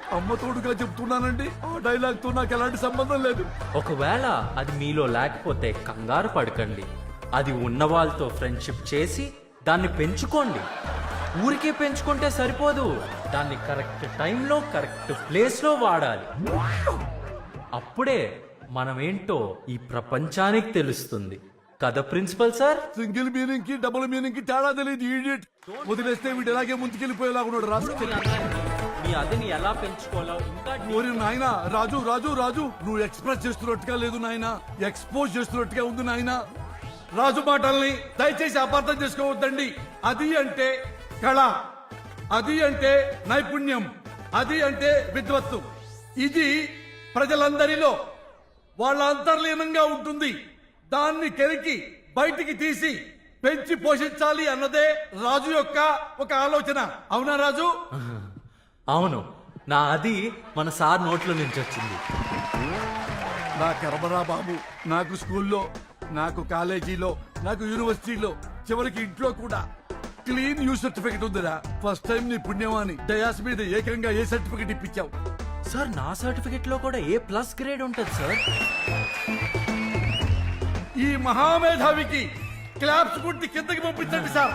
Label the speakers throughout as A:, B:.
A: అమ్మ తోడుగా చెప్తున్నానండి. ఆ డైలాగ్ తో నాకు ఎలాంటి సంబంధం లేదు.
B: ఒకవేళ అది మీలో లేకపోతే కంగారు పడకండి. అది ఉన్న వాళ్ళతో ఫ్రెండ్షిప్ చేసి దాన్ని పెంచుకోండి. ఊరికే పెంచుకుంటే సరిపోదు, దాన్ని కరెక్ట్ టైంలో కరెక్ట్ ప్లేస్లో వాడాలి. అప్పుడే మనమేంటో ఈ ప్రపంచానికి తెలుస్తుంది కదా ప్రిన్సిపల్ సార్.
A: సింగిల్ మీనింగ్ కి డబుల్ మీనింగ్ కి తేడా తెలియదు ఈడియట్. వదిలేస్తే వీడు ఎలాగే ముందుకెళ్ళిపోయేలాగా ఉన్నాడు రాస్కెల్.
B: మీ అదిని ఎలా పెంచుకోవాలో ఇంకా
A: ఓరి నాయనా, రాజు రాజు రాజు, నువ్వు ఎక్స్ప్రెస్ చేస్తున్నట్టుగా లేదు నాయనా, ఎక్స్పోజ్ చేస్తున్నట్టుగా ఉంది నాయనా. రాజు మాటల్ని దయచేసి అపార్థం చేసుకోవద్దండి. అది అంటే కళ, అది అంటే నైపుణ్యం, అది అంటే విద్వత్తు. ఇది ప్రజలందరిలో వాళ్ళ అంతర్లీనంగా ఉంటుంది. దాన్ని కెరికి బయటికి తీసి పెంచి పోషించాలి అన్నదే రాజు యొక్క ఒక ఆలోచన. అవునా రాజు?
B: అవును, నా అది మన సార్ నోట్లో నుంచి వచ్చింది.
A: నా కర్మరా బాబు, నాకు స్కూల్లో, నాకు కాలేజీలో, నాకు యూనివర్సిటీలో, చివరికి ఇంట్లో కూడా క్లీన్ యూ సర్టిఫికెట్ ఉందిరా. ఫస్ట్ టైం నీ పుణ్యమాని డయాస్ మీద ఏకంగా ఏ సర్టిఫికెట్ ఇప్పించావు
B: సార్? నా సర్టిఫికెట్ లో కూడా A+ గ్రేడ్ ఉంటుంది సార్.
A: ఈ మహామేధావికి క్లాప్స్ కొట్టి కిందకి పంపించండి sir.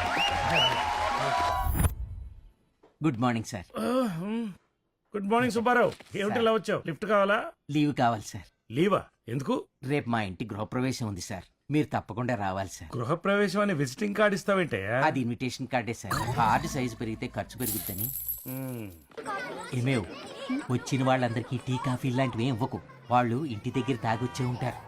C: Good morning sir.
D: Good morning Subbarao. ఏమిటి ఇలా వచ్చావు? లిఫ్ట్ కావాలా?
C: లీవ్ కావాలి సార్.
D: లీవా? ఎందుకు?
C: రేపు మా ఇంటి గృహప్రవేశం ఉంది సార్, మీరు తప్పకుండా రావాలి సార్.
D: గృహప్రవేశం అని విజిటింగ్ కార్డ్ ఇస్తావేంటే?
C: అది ఇన్విటేషన్ కార్డే సార్. కార్డు సైజు పెరిగితే ఖర్చు పెరుగుద్దని. ఏమేవ్, వచ్చిన వాళ్ళందరికీ టీ కాఫీ లాంటివి ఏం ఇవ్వకు, వాళ్ళు ఇంటి దగ్గర తాగొచ్చే ఉంటారు.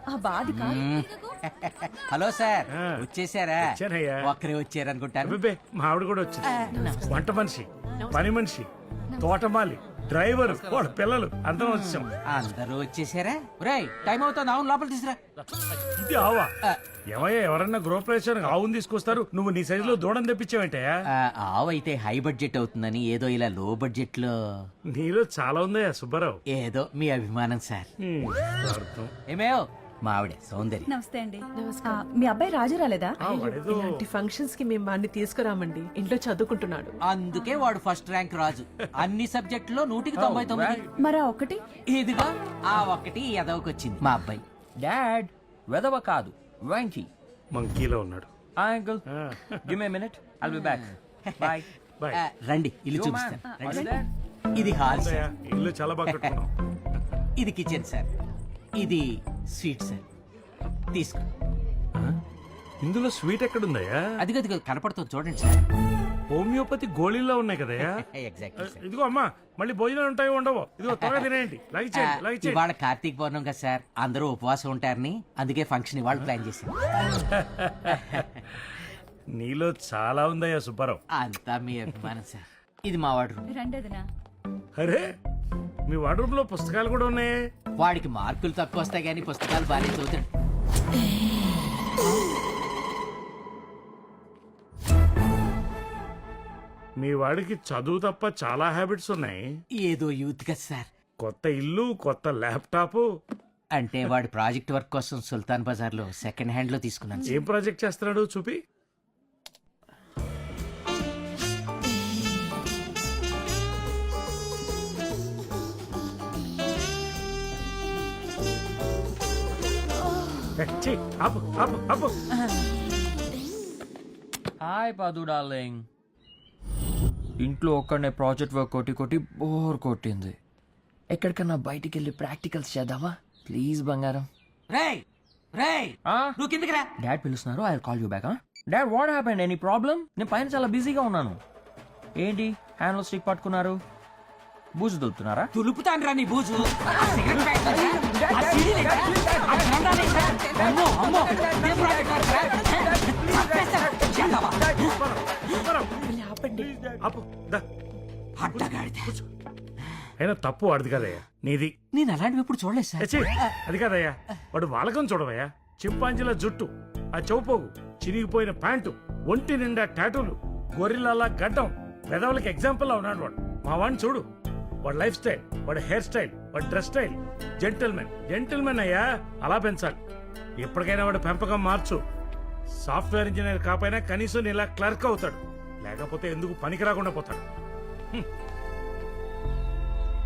C: హలో సార్, వచ్చేసారా?
D: వచ్చానయ్యా.
C: ఒక్కరే వచ్చారనుకుంటాను.
D: అబ్బే, మా ఆవిడ కూడా వచ్చింది. వంట మనిషి, పని మనిషి, తోటమాలి, డ్రైవర్, వాళ్ళ పిల్లలు అందరం వచ్చాం.
C: అందరూ వచ్చేసారా? రేయ్, టైం అవుతుంది, అవును లోపల తీసురా.
D: ఇది ఆవా? ఏమయ్యా, ఎవరన్నా గృహప్రవేశానికి ఆవును తీసుకొస్తారు, నువ్వు నీ సైజులో దూడం తెప్పించావేంటే?
C: ఆవు అయితే హై బడ్జెట్ అవుతుందని ఏదో ఇలా లో బడ్జెట్ లో.
D: నీలో చాలా ఉందయ్యా సుబ్బారావు.
C: ఏదో మీ అభిమానం సార్. ఏమేవ్, మా ఆవిడ సౌందర్య.
E: నమస్తే అండి. మీ అబ్బాయి రాజు రాలేదా?
F: ఇలాంటి ఫంక్షన్స్ కి మేము వాడిని తీసుకురామండి, ఇంట్లో చదువుకుంటున్నాడు.
C: అందుకే వాడు ఫస్ట్ ర్యాంక్ రాజు. అన్ని సబ్జెక్టులో 199.
E: మరా ఒకటి
C: ఇదిగో ఆ ఒక్కటి ఎదవకొచ్చింది మా అబ్బాయి.
G: డాడ్ వెదవ కాదు, వెంకీ.
D: మంకీలో ఉన్నాడు.
G: Uncle give me minute, I'll be back. Bye
D: boy.
C: రండి, ఇల్లు చూపిస్తాను. ఇది హాల్ సార్.
D: ఇల్లు చాలా బాగా కట్టుకున్నాం.
C: ఇది కిచెన్ సార్. ఇది స్వీట్ సార్, తీసుకో.
D: ఇందులో స్వీట్ ఎక్కడుందయ్యా?
C: అదిగో కనపడుతుంది చూడండి సార్.
D: హోమియోపతి గోళీల్లో ఉన్నాయి కదయ్యా?
C: Exactly sir.
D: ఇదిగో అమ్మా, మళ్ళీ భోజనాలు ఉంటాయో ఉండవో? ఇదిగో త్వరగా తినేయండి. లగిచేయండి.
C: ఇవాళ కార్తీక పౌర్ణం కదా సార్, అందరూ ఉపవాసం ఉంటారని అందుకే ఫంక్షన్ ఇవాళ ప్లాన్ చేశాను.
D: నీలో చాలా ఉందయ్యా సుబ్బారావు.
C: అంతా మీ అభిమానం సార్. ఇది మా వాడు రూమ్.
E: రెండేదినా?
D: అరే, మీ వార్డ్రోబ్ లో పుస్తకాలు కూడా ఉన్నాయి.
C: వాడికి మార్కులు తక్కువ వస్తాయి కానీ పుస్తకాలు బాగా చదువుతాడు.
D: మీ వాడికి చదువు తప్ప చాలా హ్యాబిట్స్ ఉన్నాయి.
C: ఏదో యూత్ కదా సార్.
D: కొత్త ఇల్లు, కొత్త ల్యాప్టాప్.
C: అంటే వాడి ప్రాజెక్ట్ వర్క్ కోసం సుల్తాన్ బజార్ లో సెకండ్ హ్యాండ్ లో తీసుకున్నాను సార్.
D: ఏం ప్రాజెక్ట్ చేస్తున్నాడు చూపి.
G: హాయ్ పాదు డార్లింగ్. ఇంట్లో ఒక్కడనే ప్రాజెక్ట్ వర్క్ కొట్టి కొట్టి బోర్ కొట్టింది. ఎక్కడికన్నా బయటికి వెళ్ళి ప్రాక్టికల్స్ చేద్దామా ప్లీజ్ బంగారం?
C: రేయ్ రేయ్, నువ్వు కిందకి రా.
G: డాడ్ పిలుస్తున్నారు, I call you back. Dad what happened? Any problem? నేను పైన చాలా బిజీగా ఉన్నాను. ఏంటి హ్యాండ్లో స్టిక్ పట్టుకున్నారు? బూజు దులుపుతున్నారా?
C: తులుపుతాను రా నీ బూజు. సిగరెట్ ప్యాకెట్ ఏంటా? ఆ సీడీలు ఏంటా? ఆ జెండాలు ఏంటా? అమ్మో, అమ్మో, ఇదే ప్రాజెక్ట్ వర్క్ రా. చంపేస్తా. జెండావా? అడ్డగాడిద.
D: అయినా తప్పు వాడిది కదయ్యా, నీది.
C: నేను అలాంటివి ఎప్పుడు చూడలేదు సార్.
D: ఛీ, అది కాదయ్యా, వాడు వాలకం చూడవయ్యా. చింపాంజీల జుట్టు, ఆ చౌపోగు, చిరిగిపోయిన ప్యాంటు, ఒంటి నిండా టాటూలు, గొర్రెల గడ్డం, పెదవులకి ఎగ్జాంపుల్ లా ఉన్నాడు వాడు. మా వాడిని చూడు, వాడి లైఫ్ స్టైల్, వాడి హెయిర్ స్టైల్, వాడి డ్రెస్ స్టైల్. జెంటిల్మెన్ అయ్యా, అలా పెంచాలి. ఎప్పటికైనా వాడు పెంపకం మార్చు. సాఫ్ట్వేర్ ఇంజనీర్ కాకపోయినా కనీసం ఇలా క్లర్క్ అవుతాడు, లేకపోతే ఎందుకు పనికి రాకుండా పోతాడు.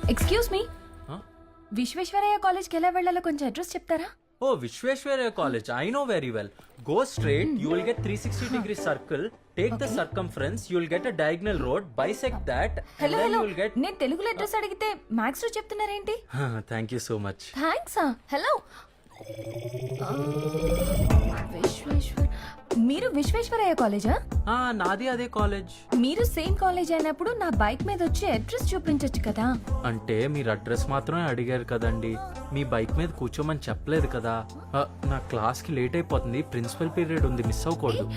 H: Excuse me
B: Huh?
H: విశ్వేశ్వరయ్య కాలేజ్కి ఎలా వెళ్ళాలో కొంచెం అడ్రస్ చెప్తారా?
B: Oh, Vishweshwaraya College. I know very well. Go straight, you will get 360-degree circle. Take the circumference, you will get a diagonal road. Bisect that, and
H: hello
B: then
H: hello
B: you will get.
H: నేను తెలుగులో address అడిగితే maths లో చెప్తున్నారేంటి?
B: Thank you so much.
H: Thanks hello Visweswar మీరు విశ్వేశ్వరయ్య కాలేజా?
B: నాది అదే college.
H: మీరు సేమ్ కాలేజ్ అయినప్పుడు నా బైక్ మీద వచ్చి అడ్రస్ చూపించొచ్చు కదా.
B: అంటే మీరు అడ్రస్ మాత్రమే అడిగారు కదండి, మీ బైక్ మీద కూర్చోమని చెప్పలేదు కదా. నా క్లాస్కి లేట్ అయిపోతుంది, ప్రిన్సిపల్ పీరియడ్ ఉంది, మిస్ అవ్వకూడదు.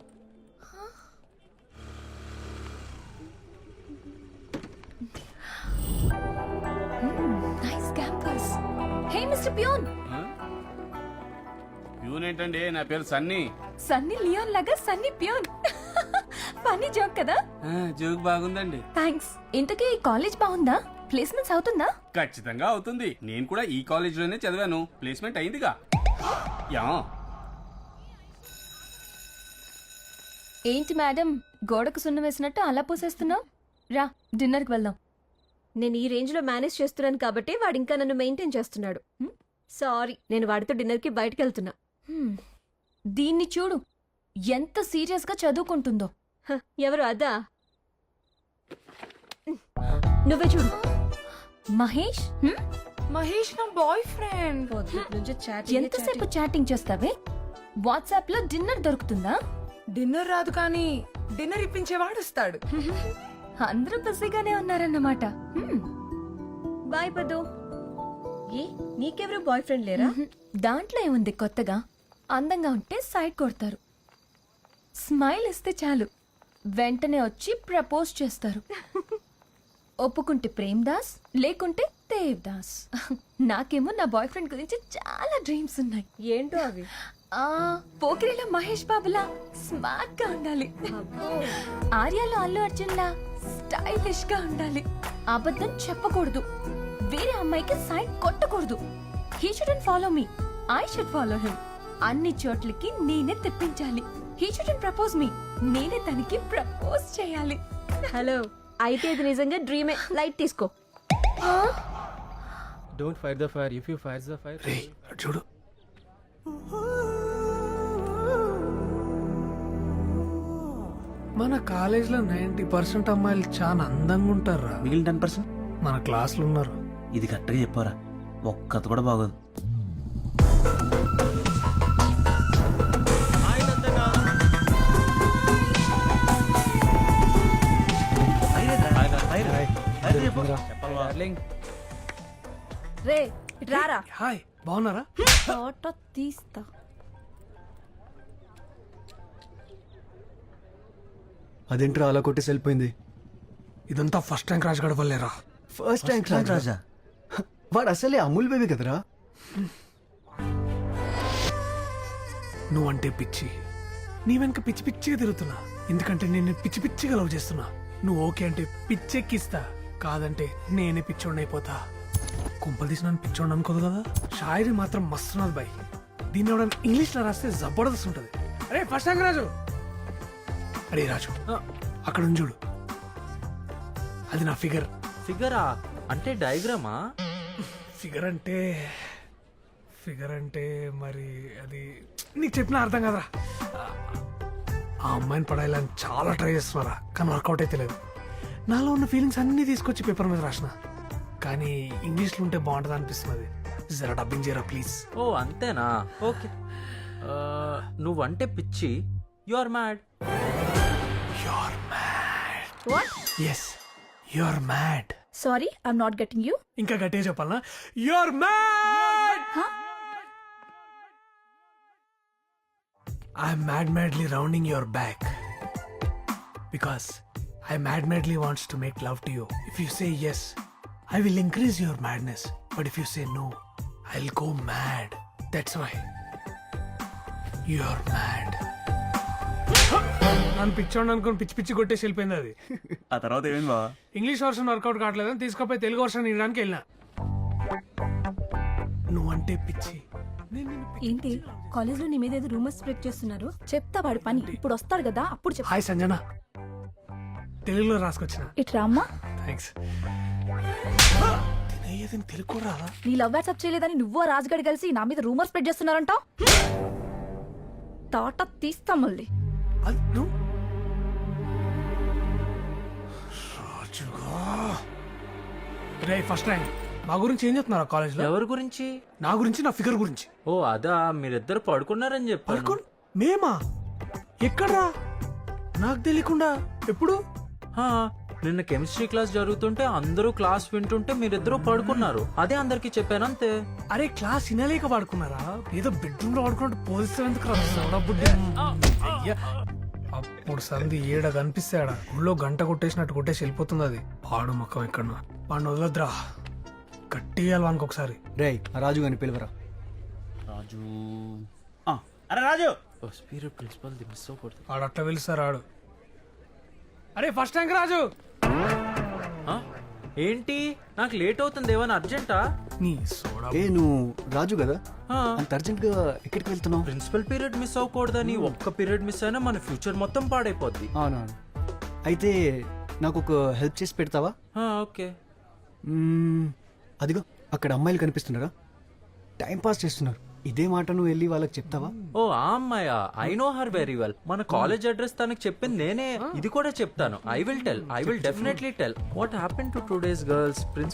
H: Nice campus. Hey mister peon.
I: Peon ఏంటండి, నా పేరు సన్నీ.
H: సన్నీ లియోన్ లాగా సన్నీ పియోన్. ఫన్నీ జోక్ కదా.
I: జోక్ బాగుందండి.
H: థ్యాంక్స్. ఇంతకీ ఈ కాలేజ్ బాగుందా? ప్లేస్మెంట్స్ అవుతుందా?
I: ఖచ్చితంగా అవుతుంది. నేను కూడా ఈ కాలేజ్ లోనే చదివాను, ప్లేస్మెంట్ అయిందిగా. యా.
H: ఏంటి మేడం గోడకు సున్నం వేసినట్టు అలా పూసేస్తున్నావు? రా డిన్నర్కి వెళ్దాం.
F: నేను ఈ రేంజ్ లో మేనేజ్ చేస్తున్నాను కాబట్టి వాడు ఇంకా నన్ను మెయింటైన్ చేస్తున్నాడు. సారీ, నేను వాడితో డిన్నర్ కి బయటకు వెళ్తున్నా.
H: దీన్ని చూడు ఎంత సీరియస్ గా చదువుకుంటుందో.
F: ఎవరు అదా? నువ్వే చూడు.
H: మహేష్
E: మహేష్ నా బాయ్ ఫ్రెండ్.
H: ఎంతసేపు చాటింగ్ చేస్తావే? వాట్సాప్ లో డిన్నర్ దొరుకుతుందా?
E: డిన్నర్ రాదు కానీ డిన్నర్ ఇప్పించేవాడు వస్తాడు.
H: అందరూ బిజీగానే ఉన్నారన్నమాట.
F: బాయ్ పదు. ఏ నీకెవరు బాయ్ ఫ్రెండ్ లేరా?
H: దాంట్లో ఏముంది కొత్తగా? అందంగా ఉంటే సైడ్ కొడతారు, స్మైల్ ఇస్తే చాలు వెంటనే వచ్చి ప్రపోజ్ చేస్తారు. ఒప్పుకుంటే ప్రేమ్ దాస్, లేకుంటే దేవ్ దాస్. నాకేమో నా బాయ్ ఫ్రెండ్ గురించి చాలా డ్రీమ్స్ ఉన్నాయి.
F: ఏంటో అవి?
H: పోకిరిలో మహేష్ బాబులా స్మార్ట్ గా ఉండాలి, ఆర్యాలో అల్లు అర్జున్ లా స్టైలిష్ గా ఉండాలి, అబద్ధం చెప్పకూడదు, వేరే అమ్మాయికి సైడ్ కొట్టకూడదు. He shouldn't follow me, I should follow him. అన్ని చోట్లకి నేనే తెప్పించాలి. హీ షుడెంట్ ప్రపోజ్ మీ, నేనే తనకి ప్రపోజ్ చేయాలి.
F: హలో, అయితే ఇది నిజంగా డ్రీమే. లైట్ తీసుకో.
B: Don't fight the fire. If you fight the fire.
D: చూడు మన కాలేజ్ లో 90% అమ్మాయిలు చాలా అందంగా ఉంటారా.
I: మిగిలిన 10%
D: మన క్లాసులు ఉన్నారు.
I: ఇది కరెక్ట్గా చెప్పారా, ఒక్కత కూడా బాగోదు.
F: రే రారా.
D: హాయ్, బాగున్నారా?
H: ఫోటో తీస్తా.
J: అదేంట్రా అలా కొట్టేసి వెళ్ళిపోయింది?
D: ఇదంతా ఫస్ట్ ర్యాంక్ రాజు గడవలేరా.
J: First rank Raja? వాడు అసలే అమూల్ బేబీ కదరా.
D: నువ్వంటే పిచ్చి, నీ వెనక పిచ్చి పిచ్చిగా తిరుగుతున్నా. ఎందుకంటే నేను పిచ్చి పిచ్చిగా లవ్ చేస్తున్నా. నువ్వు ఓకే అంటే పిచ్చెక్కిస్తా, కాదంటే నేనే పిచ్చోడిని అయిపోతా. కుంపలు తీసి నన్ను పిచ్చోడిని అనుకోదు కదా. షాయరీ మాత్రం మస్తున్నది బాయ్. దీన్ని ఎవడన్నా ఇంగ్లీష్ లో రాస్తే జబర్దస్త్ ఉంటది. అరే ఫస్ట్ ర్యాంక్ రాజు. అరే రాజు, అక్కడ ఉంది చూడు, అది నా ఫిగర్.
B: ఫిగరా అంటే డయాగ్రామా?
D: ఫిగర్ అంటే మరి అది నీకు చెప్పిన అర్థం కదరా. ఆ అమ్మాయిని పడాలని చాలా ట్రై చేస్తున్నారా, కానీ వర్కౌట్ అయితే లేదు. నాలో ఉన్న ఫీలింగ్స్ అన్నీ తీసుకొచ్చి పేపర్ మీద రాసిన, కానీ ఇంగ్లీష్లో ఉంటే బాగుంటుంది అనిపిస్తున్నది. జరా డబ్బింగ్ చేయరా ప్లీజ్.
B: ఓ అంతేనా, ఓకే. నువ్వంటే పిచ్చి, you are mad.
F: What?
D: Yes, you are mad.
F: Sorry, I'm not getting you.
D: ఇంకా గట్టిగా చెప్పాలనా? You are mad. I'm madly rounding your back because I madly wants to make love to you. If you say yes, I will increase your madness. But if you say no, I'll go mad. That's why you're mad. నన్ను పిచ్చోండి అనుకుని పిచ్చి పిచ్చి కొట్టేసి వెళ్ళిపోయింది అది.
I: ఆ తర్వాత ఏమైంది బా?
D: ఇంగ్లీష్ వర్షన్ వర్కౌట్ కావట్లేదని తీసుకపోయి తెలుగు వర్షన్ ఇవ్వడానికి వెళ్ళినా. నువ్వంటే పిచ్చి.
H: ఏంటి కాలేజ్ లో నీ మీద ఏదో రూమర్స్ స్ప్రెడ్ చేస్తున్నారు? చెప్తా వాడి పని. ఇప్పుడు వస్తాడు కదా, అప్పుడు చెప్పు.
D: హాయ్ సంజన, తెలుగులో రాసుకొచ్చిన.
H: ఇట్రా అమ్మా.
J: థ్యాంక్స్ తినేయదని తెలుకోరా
H: నీ లవ్ వాట్సాప్ చేయలేదని నువ్వు రాజుగడి కలిసి నా మీద రూమర్ స్ప్రెడ్ చేస్తున్నారంట తాట తీస్తాం మళ్ళీ.
J: అది నువ్వు రాజుగా రే ఫస్ట్ ర్యాంక్ మా గురించి ఏం చెప్తున్నారు కాలేజ్లో?
B: ఎవరి గురించి?
J: నా గురించి, నా ఫిగర్ గురించి.
B: ఓ అదా, మీరిద్దరు పడుకున్నారని చెప్పాను.
J: పడుకోండి మేమా? ఎక్కడ్రా? నాకు తెలియకుండా ఎప్పుడు?
B: హా, నిన్న కెమిస్ట్రీ క్లాస్ జరుగుతుంటే అందరూ క్లాస్ వింటుంటే మీరిద్దరూ పడుకున్నారు. అదే అందరికి చెప్పాను అంతే.
J: అరే క్లాస్ వినలేక పడుకున్నారా? ఏదో బెడ్రూమ్ లో పడుకున్నట్టు పోజిస్తే ఎందుకు అయ్యా అప్పుడు సంధి ఏడ కనిపిస్తాడా ఊళ్ళో గంట కొట్టేసినట్టు కొట్టేసి వెళ్ళిపోతుంది. అది పాడు మొక్కం ఎక్కడ వాడిని వదలొద్దురా, కట్టియాలి వానికి ఒకసారి.
K: రే రాజు గారిని పిలువరా.
B: రాజు
I: అరే రాజు,
B: ప్రిన్సిపల్ మిస్ అవ్వకూడదు.
J: ఆడు అట్లా పిలుస్తారు ఆడు. అరే ఫస్ట్ ర్యాంక్ రాజు.
B: ఆ? ఏంటి నాకు లేట్ అవుతుంది, ఏమైనా అర్జెంటా?
J: నీ సోడా
K: ఏ నువ్వు రాజు కదా,
B: ఆ,
K: అంత అర్జెంట్ గా ఎక్కడికి వెళ్తున్నావు?
B: ప్రిన్సిపల్ పీరియడ్ మిస్ అవ్వకూడదని ఒక్క పీరియడ్ మిస్ అయినా మన ఫ్యూచర్ మొత్తం పాడైపోద్ది.
K: అవునవును. అయితే నాకు ఒక హెల్ప్ చేసి పెడతావా?
B: ఆ, ఓకే.
K: అదిగో అక్కడ అమ్మాయిలు కనిపిస్తున్నారా, టైం పాస్ చేస్తున్నారు. ఇదే మాట నువ్వు వెళ్ళి వాళ్ళకి చెప్తావా?
B: ఓ ఆ అమ్మాయా? I know her very well. మన కాలేజ్ అడ్రస్ తనకు చెప్పింది నేనే. ఇది కూడా చెప్తాను. I will definitely tell. What happen to today's girls?